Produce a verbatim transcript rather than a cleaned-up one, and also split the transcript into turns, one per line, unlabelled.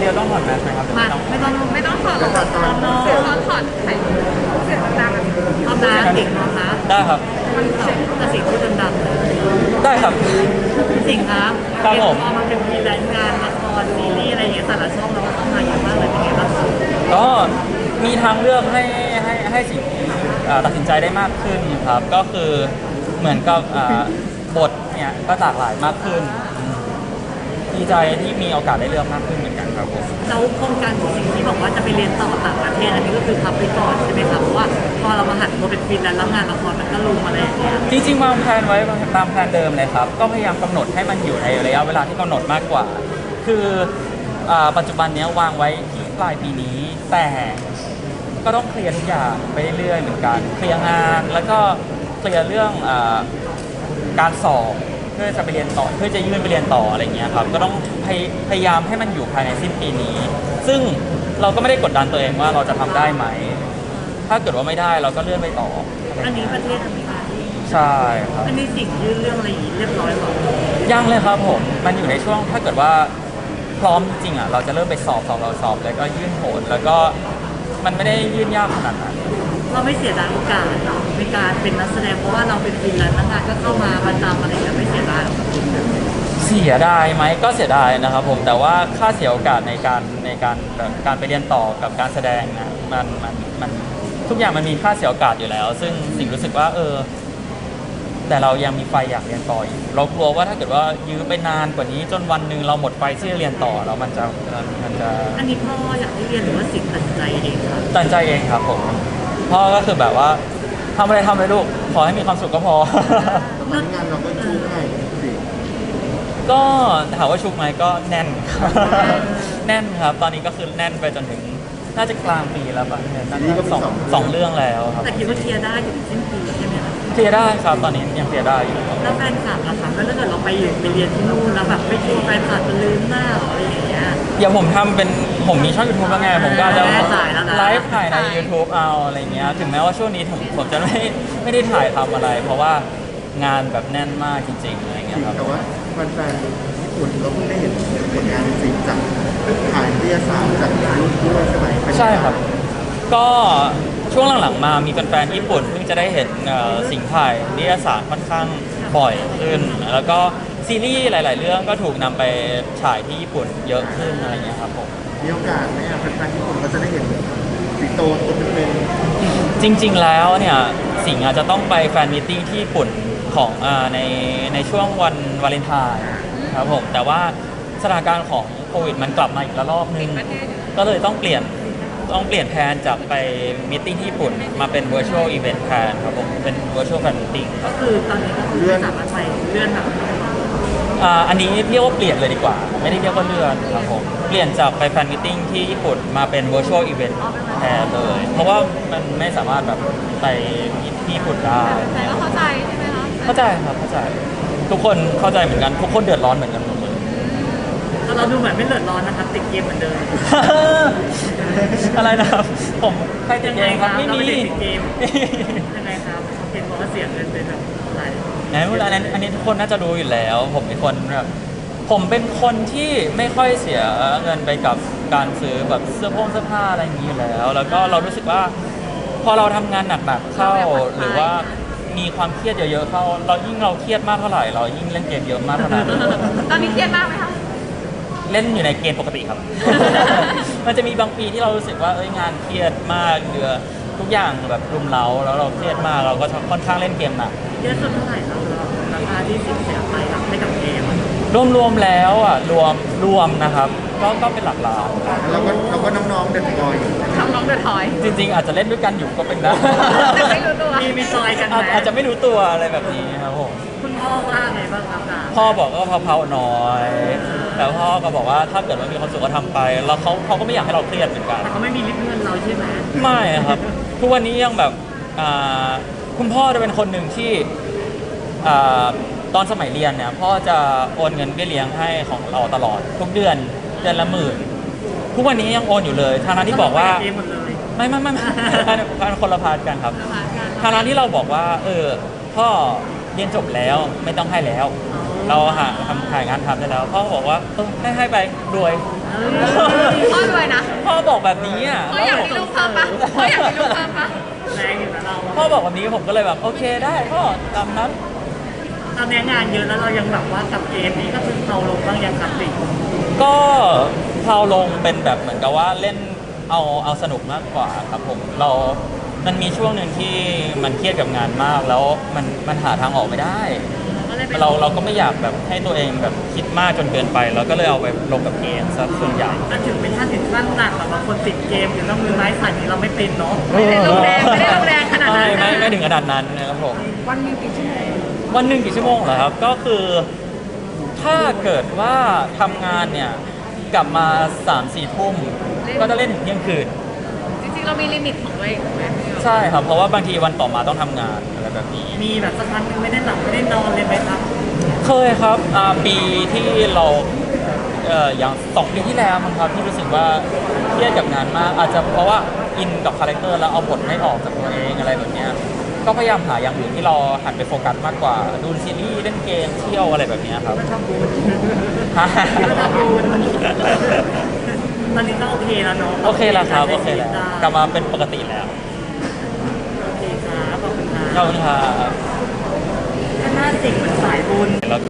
ดียวต้องถอดแมสไหมครับ
มาไม่ต้องไม่ต้องถอดหรอกตอนนอนเสียงตอนถอดไข่เสียงดังๆตอนน้าสิงนะคะ
ได้ครับ
มันเสียงแต่สิ่งพูดดังๆเลย
ได้ครับ
สิ่งครับ
ครับผม
พอมันเป็นมีรายงานละครซีรีส์อะไรอย่างเงี้ยแต่ละช่องเราก็เข้ามาเยอะมากเลยเป็นไงบ้างคะ
ก็มีทางเลือกให้ให้ให้สิ่งเอ่อตัดสินใจได้มากขึ้นครับ ก็คือเหมือนกับอ่าบทเนี่ยก็หลากหลายมากขึ้นอืมดีใจที่มีโอกาสได้เลือกมากขึ้นเหมือนกันครับผม
แล้วโครงการของสิ่งที่บอกว่าจะไปเรียนต่อต่างประเทศอันนี้ก็คือพับไปก่อนใช่ไหมครับเพราะว่าพอเรามาหันมาเป็นฟรีแลนซ์แล้วงานละครมันก็ลุมอะไรอย่างเงี้ย
จริงๆวางแผนไว้ตามแผนเดิมเลยครับ ก็พยายามกำหนดให้มันอยู่ในระยะเวลาที่กำหนดมากกว่า คืออ่าปัจจุบันเนี้ยวางไว้ที่ปลายปีนี้ แต่ก็ต้องเคลียร์ทุกอย่างไปเรื่อยๆเหมือนกัน เคลียร์งานแล้วก็เคลียร์เรื่องอาการสอบเพื่อจะไปเรียนต่อเพื่อจะยื่นไปเรียนต่ออะไรเงี้ยครับ ก็ต้องพยพยายามให้มันอยู่ภายในสิ้นปีนี้ ซึ่งเราก็ไม่ได้กดดันตัวเองว่าเราจะทำได้ไหม ถ้าเกิดว่าไม่ได้เราก็เลื่อนไปต่อ
อันนี้ประเทศอเมริกา
ใช่ครับ
อันนี้สิ่งยื่นเรื่องอะไรอย่างงี้เรียบร้อยหรอ
ยังเลยครับผม มันอยู่ในช่วงถ้าเกิดว่าพร้อมจริงๆอ่ะเราจะเริ่มไปสอบสอบเราสอบแล้วก็ยื่นโหนแล้วก็มันไม่ได้ยื่นยากขนาดนั้น
เราไม่เสียดายโอกาสเนาะในการเป็นนักแสดงเพราะว่าเราเป็นฟรีแลนซ์งานก็เข้ามาประจำอะไรอย่างเงี้ยไม่เสียดายหรอก
เสียดายไหมก็เสียดายนะครับผมแต่ว่าค่าเสียโอกาสในการในการแบบการไปเรียนต่อกับการแสดงนะมันมันมันทุกอย่างมันมีค่าเสียโอกาสอยู่แล้ว ซึ่งสิ่งรู้สึกว่าเออ แต่เรายังมีไฟอยากเรียนต่ออยู่เรากลัวว่าถ้าเกิดว่ายื้อไปนานกว่านี้จนวันหนึ่งเราหมดไฟที่จะเรียนต่อแล้วมันจะมันจะ
อันนี้พ่ออยากให้เรียนหรือว่าสิ่งตัดสินใจเองครับ
ตัดใจเองครับผมพ่อก็คือแบบว่าทำอะไรทำเลยลูกขอให้มีความสุขก็พอ
ตอนนี้งานเราก็ชูง่ายสิ
ก็ถามว่าชุกไหมก็แน่นครับ แน่นครับ ตอนนี้ก็คือแน่นไปจนถึงน่าจะกลางปีแล้วป่ะเนี่ยน่าจะสองสองเรื่องแล้วครับ
แต่คิดว่าเคลียร์ได้ถึงสิ้นปีใช่ไหมคะ
เคลียร์ได้ครับ ตอนนี้ยังเคลียร์ได้อยู่
แล้วแฟนคลับล่ะคะแล้วถ้าเกิดเราไปอยู่ไปเรียนที่นู่นแล้วแบบไม่คิดแฟนคลับจะลืมหน้าหรออะไรอย่างเงี้ย
เดี๋ยวผมทำเป็นผมมีช่องยูทูบแล้วไงผมก็จะ
แน่ใจแล้วนะ
ไลฟ์ถ่ายใน YouTube เอาอะไรเงี้ยถึงแม้ว่าช่วงนี้ผมผมจะไม่ไม่ได้ถ่ายทำอะไร เพราะว่างานแบบแน่นมากจริงๆอะไรเงี้ยครับ
แต่ว่าแฟนๆญี่ปุ่นเราเพิ่งได้เห็นผลงานจริงจากถ่ายนิตยสารจากรุ่นด้วยใช่ไหมเป็นไง
ใช่ครับ ก็ช่วงหลังๆมามีแฟนๆญี่ปุ่นเพิ่งจะได้เห็นเอ่อสิ่งถ่ายนิตยสารค่อนข้างบ่อยขึ้น แล้วก็ซีรีส์หลาย ๆ เรื่องก็ถูกนำไปฉายที่ญี่ปุ่นเยอะขึ้นอะไรเงี้ยครับผม
มีโอกาสไหมอ่ะแฟนๆญี่ปุ่นก็จะได้เห็นสิงโตตัวเป็น
จริง ๆ แล้วเนี่ยสิงห์อาจจะต้องไปแฟนมิทติ้งที่ญี่ปุ่นของอ่าในในช่วงวันวาเลนไทน์ครับผมแต่ว่าสถานการณ์ของโควิดมันกลับมาอีกระลอกนึง ก็เลยต้องเปลี่ยนต้องเปลี่ยนแผนจากไปมิทติ้งที่ญี่ปุ่นมาเป็น virtual event แทนครับผมเป็น virtual fan meeting
ก็คือตอนนี้ก็คือไม่สามารถไปเลื่อนแบบ
อ่าอันนี้เรียกว่าเปลี่ยนเลยดีกว่า ไม่ได้เรียกว่าเลื่อนครับผมเปลี่ยนจากไปแฟนมิทติ้งที่ญี่ปุ่นมาเป็น virtual event แทนเลย เพราะว่ามันไม่สามารถแบบไปที่ญี่ปุ่นได้
แต่ก็เข้าใจใช่ไหมคะ
เข้าใจครับเข้าใจทุกคนเข้าใจเหมือนกันทุกคนเดือดร้อนเหมือนกันหมดเลย
เราดูเหมือนไม่เดือดร้อนนะครับติดเกมเหมือนเดิม
อะไรนะครับผมใครติดเองครับไม่
เรา
มี
ไม่ได้ติดเกมยังไงครับเห็นบอกว่าเสียเงินเป็นแบบหลาย
ไหนอันนี้อันนี้ทุกคนน่าจะรู้อยู่แล้ว ผมเป็นคนแบบผมเป็นคนที่ไม่ค่อยเสียเงินไปกับการซื้อแบบเสื้อผงเสื้อผ้าอะไรอย่างนี้อยู่แล้ว แล้วก็เรารู้สึกว่า พอเราทำงานหนักๆเข้าหรือว่ามีความเครียดเยอะๆเข้า เรายิ่งเราเครียดมากเท่าไหร่เรายิ่งเล่นเกมเยอะมากเท่านั้น
ตอนนี้เครียดมากไหมคะ
เล่นอยู่ในเกณฑ์ปกติครับ มันจะมีบางปีที่เรารู้สึกว่าเอ้ยงานเครียดมากเดือทุกอย่างแบบรุมเร้าแล้วเราเครียดมากเราก็ค่อนข้างเล่นเกมหนัก
เยอะสุดเท่าไหร่ครับราคาที่สิบเสียไปกับให้กับเกม
รวมๆแล้วอ่ะรวมรวมนะครับก็ก็เป็นหลักล้าน
ๆเราก็เราก็น้องๆเด็กบอยอยู่
ทำน้องเดือดถอย
จริง ๆ อาจจะเล่นด้วยกันอยู่ก็เป็นได้
ไม่รู้ตัว
มีมีซอยกันไหม
อาจอาจจะไม่รู้ตัวอะไรแบบนี้ครับผม
คุณพ่อว่าไงบ้างครับอ่ะ
พ่อบอกก็เผาๆหน่อย แต่พ่อก็บอกว่าถ้าเกิดว่ามีความสุขก็ทำไป แล้วเขาเขาก็ไม่อยากให้เราเครียดเหมือนกัน
แต่เขาไม่มีลิฟต์เงินเราใช่ไหม
ไม่ครับ ทุกวันนี้ยังแบบอ่าคุณพ่อจะเป็นคนหนึ่งที่อ่าตอนสมัยเรียนเนี่ยพ่อจะโอนเงินเบี้ยเลี้ยงให้ของเราตลอด ทุกเดือนเดือนละหมื่นทุกวันนี้ยังโอนอยู่เลยทางนั้นที่บอกว่า
เกมหมดเลย
ไม่ไม่ไม่ไม่ อันอันคนละพาร์ทกันครับทางนั้นที่เราบอกว่า เออพ่อเรียนจบแล้วไม่ต้องให้แล้ว
อ๋อ
เราหาทำขายงานทำได้แล้วพ่อบอกว่าเออให้ให้ไปรวย
พ่อรวยนะ
พ่อบอกแบบนี้อ่ะ
พ่ออยากมีลูกเพิ่มปะพ่ออยากมีลูกเพิ่มปะ
แรงอยู่นะเรา
พ่อบอกแบบนี้ผมก็เลยแบบโอเคได้พ่อตามนั้น
ตอนนี้งานเยอะแล้วเรายังแบบว่ากับเกมนี้ก็คือเราลงบ้างยังครับสิ
ก็เพลาลงเป็นแบบเหมือนกับว่าเล่นเอาเอาสนุกมากกว่าครับผมเรา มันมีช่วงหนึ่งที่มันเครียดกับงานมากแล้วมันมันหาทางออกไม่ได้
ก็เลยไป
เราเราก็ไม่อยากแบบให้ตัวเองแบบคิดมากจนเกินไปเราก็เลยเอาไปลงกับเกมซะส่วนใหญ่
อ่ะถึงเป็นท่านถึงขั้นหนักแบบว่าคนติดเกมหรือต้องมือไม้สั่นนี้เราไม่เป็นเนาะ
ไม่ได้ลงแรงไม่ได้ลงแรงขนาดนั้น
ไม่ไม่ไม่ถึงขนาดนั้นนะครับผม
วันหนึงกี่ชั่วโมง
วันหนึ่งกี่ชั่วโมงเหรอครับก็คือถ้าเกิดว่าทำงานเนี่ยกลับมาสามสี่ทุ่มก็จะเล่นถึงเที่ยงคืน
จริงๆเรามีลิมิตของตัวเองถูกไหมพี่
ใช่ครับเพราะว่าบางทีวันต่อมาต้องทำงานอะไรแบบนี้
มีแบบสักครั้งหนึงไม่ได้หลับไม่ได้นอนเลยไหมครับ
เคยครับอ่าปีที่เราเอ่ออย่างสองปีที่แล้วมั้งครับที่รู้สึกว่าเครียดกับงานมากอาจจะเพราะว่าอินกับคาแรคเตอร์แล้วเอาบทไม่ออกจากตัวเองอะไรแบบเนี้ยก็พยายามหาอย่างอื่นที่เราหันไปโฟกัสมากกว่าดูซีรีส์เล่นเกมเที่ยวอะไรแบบเนี้ยครับ
ไม่ทำบุญไม่ทำบุญตอนนี้ก็โอเคแล้วเนาะ
โอเคแล้วครับโอเคแล้วกลับมาเป็นปกติแล้ว
โอเคครับขอบคุณครับ
ขอบคุณครับ
ถ้าหน้าสิงเหมือนสายบุญ
แล้ว